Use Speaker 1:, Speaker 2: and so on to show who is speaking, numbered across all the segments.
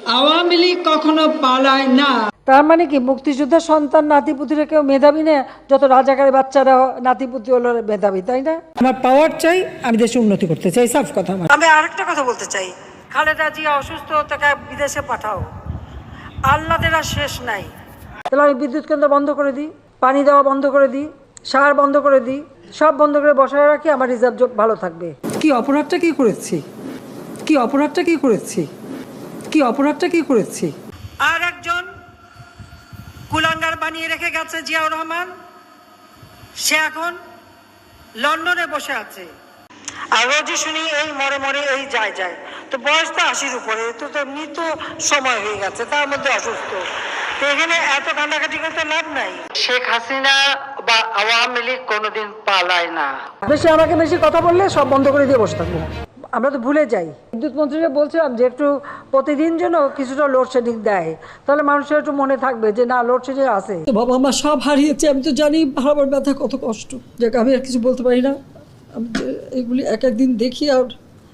Speaker 1: আওয়ামী লীগ কখনো পালায় না।
Speaker 2: তার মানে কি মুক্তিযোদ্ধার সন্তান নাতিপুতিরা কেউ মেধাবী না, যত রাজাকারের বাচ্চারা নাতিপুতি হলো মেধাবী, তাই না? আমার পাওয়ার চাই, আমি দেশে উন্নতি করতে চাই, সাফ কথা। আমি আরেকটা কথা বলতে চাই, খালেদা জিয়া অসুস্থ, তাকে বিদেশে পাঠাও, আল্লাদের আর শেষ নাই। তাহলে আমি বিদ্যুৎ কেন্দ্র বন্ধ করে দিই, পানি দেওয়া বন্ধ করে দিই, সার বন্ধ করে দিই, সব বন্ধ করে বসায় রাখি, আমার রিজার্ভ ভালো থাকবে। কি অপরাধটা কি করেছি? কি অপরাধটা কি করেছি? কি অপরাধটা কি করেছি? আর একজন কুলাঙ্গার বানিয়ে রেখে গেছে জিয়াউর রহমান, সে এখন লন্ডনে বসে আছে। আর রোজই শুনি এই মরে মরে এই যায় যায়, তো বয়স তো 80-র উপরে, তো মৃত সময় হয়ে গেছে, তার মধ্যে অসুস্থ, তো এখানে এত কান্নাকাটি করতে লাভ নাই।
Speaker 3: শেখ হাসিনা বা আওয়ামী লীগ কোনোদিন পালায় না।
Speaker 2: আমাকে বেশি কথা বললে সব বন্ধ করে দিয়ে বসে থাকবো। আমরা তো ভুলে যাই, বিদ্যুৎ মন্ত্রীকে বলছিলাম যে একটু প্রতিদিন যেন কিছুটা লোডশেডিং দেয়, তাহলে মানুষের একটু মনে থাকবে যে না, লোডশেডিং আছে। বাবা মা সব হারিয়েছে, আমি তো জানি হারাবার ব্যথা কত কষ্ট, যে আমি আর কিছু বলতে পারি না। আমি যে এগুলি এক একদিন দেখি, আর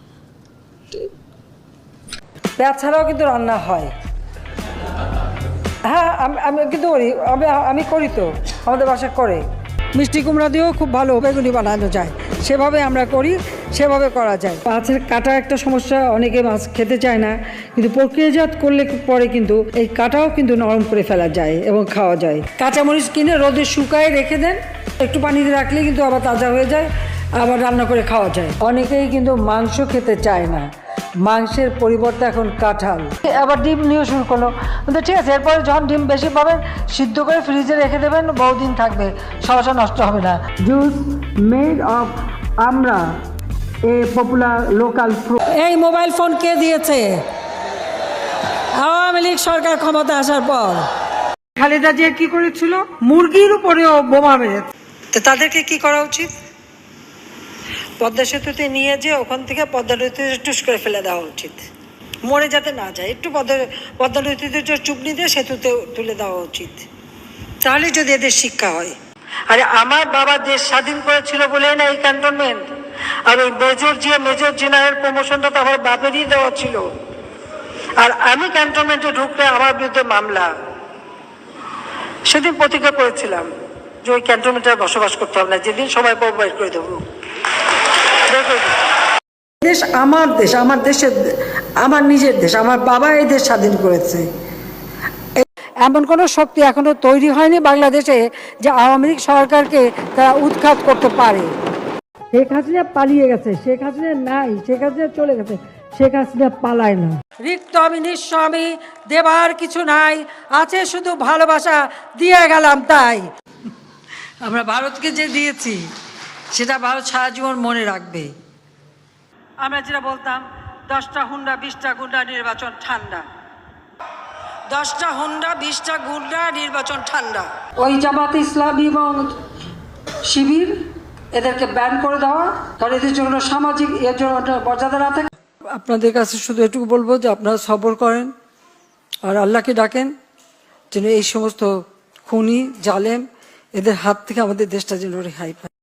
Speaker 2: পেঁয়াজ ছাড়াও কিন্তু রান্না হয়। হ্যাঁ, আমি কিন্তু করি, আমি করি, তো আমাদের বাসা করে। মিষ্টি কুমড়া দিয়েও খুব ভালো বেগুনি বানানো যায়, সেভাবে আমরা করি, সেভাবে করা যায়। মাছের কাটা একটা সমস্যা, অনেকে মাছ খেতে চায় না, কিন্তু প্রক্রিয়াজাত করলে পরে কিন্তু এই কাটাও কিন্তু নরম করে ফেলা যায় এবং খাওয়া যায়। কাঁচামরিচ কিনে রোদে শুকায় রেখে দেন, একটু পানিতে রাখলে কিন্তু আবার তাজা হয়ে যায়, আবার রান্না করে খাওয়া যায়। অনেকেই কিন্তু মাংস খেতে চায় না, মাংসের পরিবর্তে এখন কাঁঠাল। আবার ডিম নিয়ে শুরু করলো, কিন্তু ঠিক আছে, এরপরে যখন ডিম বেশি পাবেন সিদ্ধ করে ফ্রিজে রেখে দেবেন, বহুদিন থাকবে, সমস্যা নষ্ট হবে না। জুস মেড অফ আমরা, এ পপুলার লোকাল ফ্রুট। এই মোবাইল ফোন কে দিয়েছে? আওয়ামী লীগ সরকার ক্ষমতা আসার পর। খালেদা জিয়া কি করেছিল? মুরগির উপরেও বোমা মেরেছে। তো তাদেরকে কি করা উচিত? পদ্মা সেতুতে নিয়ে যে ওখান থেকে পদ্মা নদীতে টুস করে ফেলে দেওয়া উচিত, মরে যাতে না যায়। একটু পদ্মা নদীতে চুপনি দিয়ে সেতুতে তুলে দেওয়া উচিত, তাহলে যদি এদের শিক্ষা হয়। আরে আমার বাবা দেশ স্বাধীন করেছিল বলেই না এই ক্যান্টনমেন্ট, আর ওই মেজর জেনারেল প্রমোশনটা তো আমার বাপেরই দেওয়া ছিল, আর আমি ক্যান্টনমেন্টে ঢুকলে আমার বিরুদ্ধে মামলা। সেদিন প্রতিজ্ঞা করেছিলাম যে ওই ক্যান্টনমেন্টে বসবাস করতে হবে না, যেদিন সময় পাবো বাইর করে দেবো। দেশ আমার দেশ, আমার দেশের, আমার নিজের দেশ, আমার বাবা এই দেশ স্বাধীন করেছে। এমন কোনো শক্তি এখনো তৈরি হয়নি বাংলাদেশে যে আওয়ামী লীগ সরকারকে তারা উৎখাত করতে পারে। শেখ হাসিনা পালিয়ে গেছে, শেখ হাসিনা নাই, শেখ হাসিনা চলে গেছে, শেখ হাসিনা পালায় না। রিক্ত আমি নিঃস্ব, আমি দেবার কিছু নাই, আছে শুধু ভালোবাসা, দিয়ে গেলাম তাই। আমরা ভারতকে যে দিয়েছি সেটা ভারত সারা জীবন মনে রাখবে। আমরা যেটা বলতাম, 10টা হুন্ডা 20টা গুন্ডা, নির্বাচন ঠান্ডা। 10টা হুন্ডা 20টা গুন্ডা, নির্বাচন ঠান্ডা। ওই জামাত ইসলামী এবং শিবির, এদেরকে ব্যান করে দেওয়া, কারণ এদের জন্য সামাজিক এর জন্য মর্যাদা না থাকে। আপনাদের কাছে শুধু এটুকু বলবো যে আপনারা সবর করেন আর আল্লাহকে ডাকেন যেন এই সমস্ত খুনি জালেম এদের হাত থেকে আমাদের দেশটা যেন রেহাই পায়।